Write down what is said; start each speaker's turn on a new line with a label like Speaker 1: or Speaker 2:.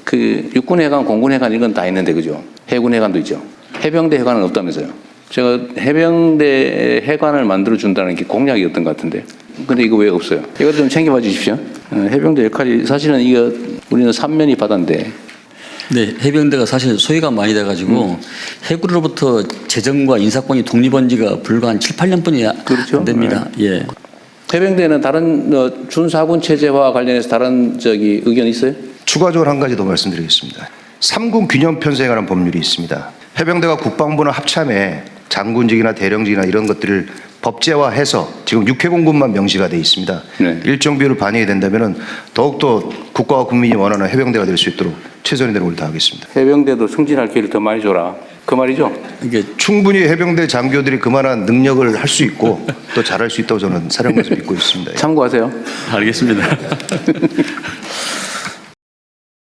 Speaker 1: 그 육군해관, 공군해관 이건 다 있는데 그죠? 해군해관도 있죠. 해병대 해관은 없다면서요. 제가 해병대 해관을 만들어 준다는 게 공약이었던 것 같은데. 근데 이거 왜 없어요? 이거 좀 챙겨봐 주십시오. 해병대 역할이 사실은 이거 우리는 3면이 바다인데.
Speaker 2: 네, 해병대가 사실 소외가 많이 돼가지고 해군으로부터 재정과 인사권이 독립한 지가 불과 한 7, 8년뿐이
Speaker 1: 그렇죠.
Speaker 2: 안 됩니다.
Speaker 1: 네.
Speaker 2: 예.
Speaker 1: 해병대는 다른 준사군 체제와 관련해서 다른 의견 있어요?
Speaker 3: 추가적으로 한 가지 더 말씀드리겠습니다. 3군 균형 편성에 관한 법률이 있습니다. 해병대가 국방부는 합참에 장군직이나 대령직이나 이런 것들을 법제화해서 지금 육해공군만 명시가 돼 있습니다.
Speaker 1: 네.
Speaker 3: 일정 비율을 반영이 된다면 더욱더 국가와 국민이 원하는 해병대가 될 수 있도록 최선의 노력을 다하겠습니다.
Speaker 1: 해병대도 승진할 기회를 더 많이 줘라. 그 말이죠?
Speaker 2: 이게
Speaker 3: 충분히 해병대 장교들이 그만한 능력을 할 수 있고 또 잘할 수 있다고 저는 사령관에서 믿고 있습니다.
Speaker 1: 참고하세요.
Speaker 2: 알겠습니다.